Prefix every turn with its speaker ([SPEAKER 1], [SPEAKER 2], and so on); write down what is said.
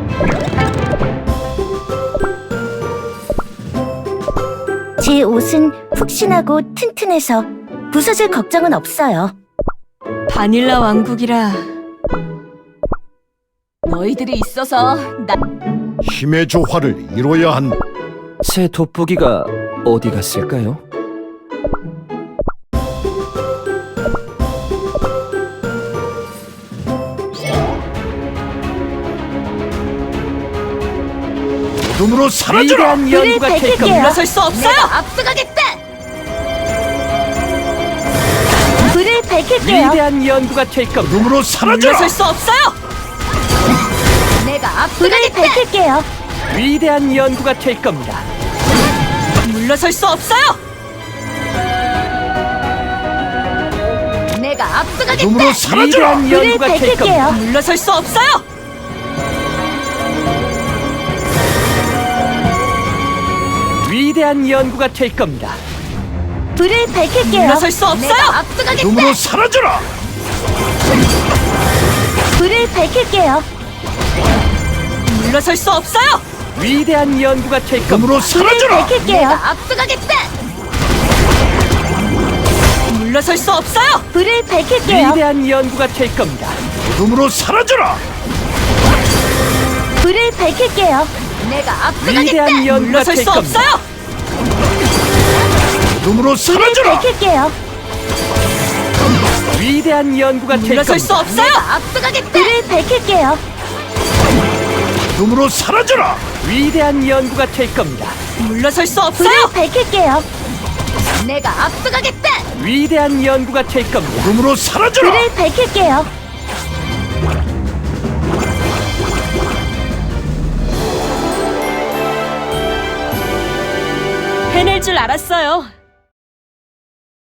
[SPEAKER 1] 제 옷은 푹신하고 튼튼해서 부서질 걱정은 없어요.
[SPEAKER 2] 바닐라 왕국이라 너희들이 있어서 나
[SPEAKER 3] 힘의 조화를 이뤄야 한다.
[SPEAKER 4] 제 돋보기가 어디 갔을까요?
[SPEAKER 3] 어둠으로 사라져라!
[SPEAKER 4] 위대한 연구가 될
[SPEAKER 1] 밝힐게요.
[SPEAKER 4] 겁니다.
[SPEAKER 2] 물러설 수 없어요.
[SPEAKER 1] 앞서가겠다! 불을 밝힐게요.
[SPEAKER 4] 위대한 연구가 될 겁니다.
[SPEAKER 3] 어둠으로 사라져라!
[SPEAKER 2] 물러설 수 없어요.
[SPEAKER 1] 불을 밝힐게요.
[SPEAKER 4] 위대한 연구가 될 겁니다.
[SPEAKER 2] 물러설 수 없어요.
[SPEAKER 3] 어둠으로 사라져라!
[SPEAKER 4] 위대한
[SPEAKER 1] 불을
[SPEAKER 4] 연구가 될 겁니다.
[SPEAKER 1] 밝힐게요.
[SPEAKER 2] 물러설 수 없어요.
[SPEAKER 4] 위대한 연구가 될 겁니다.
[SPEAKER 1] 불을 밝힐게요.
[SPEAKER 2] 물러설 수 없어요.
[SPEAKER 3] 어둠으로 사라져라!
[SPEAKER 1] 불을 밝힐게요.
[SPEAKER 2] 물러설 수 없어요.
[SPEAKER 4] 위대한 연구가 될 겁니다.
[SPEAKER 3] 어둠으로
[SPEAKER 1] 불을
[SPEAKER 3] 사라져라!
[SPEAKER 1] 밝힐게요.
[SPEAKER 2] 물러설 수 없어요.
[SPEAKER 1] 불을 밝힐게요.
[SPEAKER 4] 위대한 연구가 될 겁니다.
[SPEAKER 3] 어둠으로 사라져라!
[SPEAKER 1] 불을 밝힐게요.
[SPEAKER 4] 위대한 연구가
[SPEAKER 2] 물러설
[SPEAKER 4] 될
[SPEAKER 2] 수
[SPEAKER 4] 겁니다.
[SPEAKER 2] 없어요.
[SPEAKER 3] 어둠으로
[SPEAKER 1] 불을
[SPEAKER 3] 사라져라!
[SPEAKER 1] 밝힐게요.
[SPEAKER 4] 위대한 연구가 될
[SPEAKER 2] 물러설 수
[SPEAKER 4] 겁니다.
[SPEAKER 2] 없어요.
[SPEAKER 1] 불을 밝힐게요.
[SPEAKER 3] 어둠으로 사라져라!
[SPEAKER 4] 위대한 연구가 될 겁니다.
[SPEAKER 2] 물러설 수
[SPEAKER 1] 불을
[SPEAKER 2] 없어요.
[SPEAKER 1] 밝힐게요.
[SPEAKER 4] 위대한 연구가 될 겁니다.
[SPEAKER 3] 어둠으로 사라져라!
[SPEAKER 1] 불을 밝힐게요.
[SPEAKER 2] 해낼 줄 알았어요.